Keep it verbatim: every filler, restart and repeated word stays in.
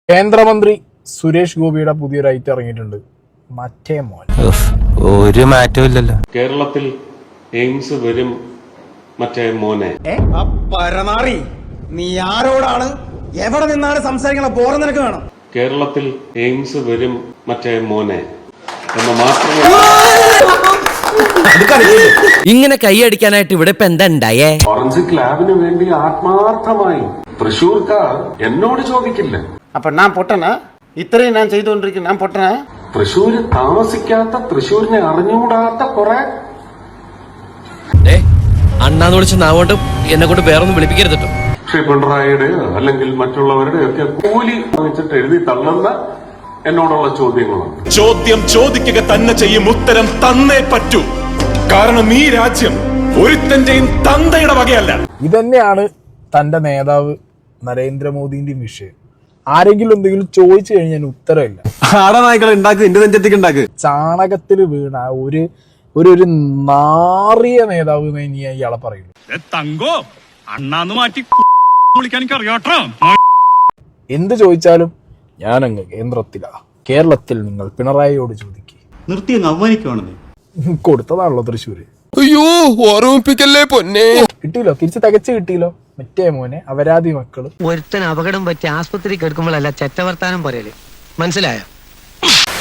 കേന്ദ്രമന്ത്രി സുരേഷ് ഗോപിയുടെ പുതിയൊരു ഐറ്റം ഇറങ്ങിയിട്ടുണ്ട്. മറ്റേ മോൻ ഒരു മാറ്റവും ഇല്ലല്ലോ. കേരളത്തിൽ എയിംസ് വരും മറ്റേ മോനെ. പരമാറി നീ ആരോടാണ് എവിടെ നിന്നാണ് സംസാരിക്കണ ബോറം നിനക്ക് വേണം. കേരളത്തിൽ എയിംസ് വരും മറ്റേ മോനെ എന്ന് മാത്രമേ. ഇങ്ങനെ കൈയടിക്കാനായിട്ട് ഇവിടെ ഇപ്പൊ എന്താ ഉണ്ടായേ? ഫോറൻസിക് ലാബിന് വേണ്ടി ആത്മാർത്ഥമായി തൃശൂർക്കാർ എന്നോട് ചോദിക്കില്ല. അപ്പൊ ഞാൻ പൊട്ടനാ? ഇത്രയും ഞാൻ ചെയ്തുകൊണ്ടിരിക്കുന്നു, ഞാൻ പൊട്ടനാ? തൃശൂര് താമസിക്കാത്ത, തൃശൂരിനെ അറിഞ്ഞുകൂടാത്ത കുറെ അണ്ണാന്ന് വിളിച്ച നാവോണ്ട് എന്നെ കൊണ്ട് വേറൊന്നും വിളിപ്പിക്കരുത് കേട്ടോ. ശ്രീ പിണറായിയുടെ അല്ലെങ്കിൽ മറ്റുള്ളവരുടെ ഒക്കെ കൂലി വാങ്ങിച്ചിട്ട് എഴുതി തള്ളുന്ന എന്നോടുള്ള ചോദ്യങ്ങളുണ്ട്. ചോദ്യം ചോദിക്കുക തന്നെ ചെയ്യും, ഉത്തരം തന്നേ പറ്റൂ. കാരണം ഈ രാജ്യം ഒരുത്തന്റെയും തന്തയുടെ വകയല്ല. ഇതന്നെയാണ് തന്റെ നേതാവ് നരേന്ദ്രമോദിന്റെയും വിഷയം. ആരെങ്കിലും എന്തെങ്കിലും ചോദിച്ചു കഴിഞ്ഞാൽ ഉത്തരമില്ല. ചാണകത്തിൽ വീണ ഒരു ഒരു ഒരു നാറിയ നേതാവ് ഇനി ഇയാളെ പറയുള്ളൂ. തങ്കോ അണ്ണാന്ന് മാറ്റി വിളിക്കാൻ എനിക്ക് അറിയാട്ടോ. എന്ത് ചോദിച്ചാലും ഞാനങ്ങ് കേന്ദ്രത്തിലാ, കേരളത്തിൽ നിങ്ങൾ പിണറായിയോട് ചോദിക്കുക. നിർത്തി അങ്ങ് അവമാനിക്കുവാണെന്നേ. കൊടുത്തതാണല്ലോ തൃശ്ശൂര്. അയ്യോ ഓർമ്മിപ്പിക്കല്ലേ പൊന്നെ. കിട്ടിയില്ലോ, തിരിച്ച് തികച്ച് കിട്ടിയില്ലോ. മറ്റേ മോനെ അപരാധി മക്കള്. ഒരുത്തൻ അപകടം പറ്റി ആസ്പത്രി കിടക്കുമ്പോഴല്ല ചെറ്റവർത്താനം പറയല്, മനസ്സിലായോ?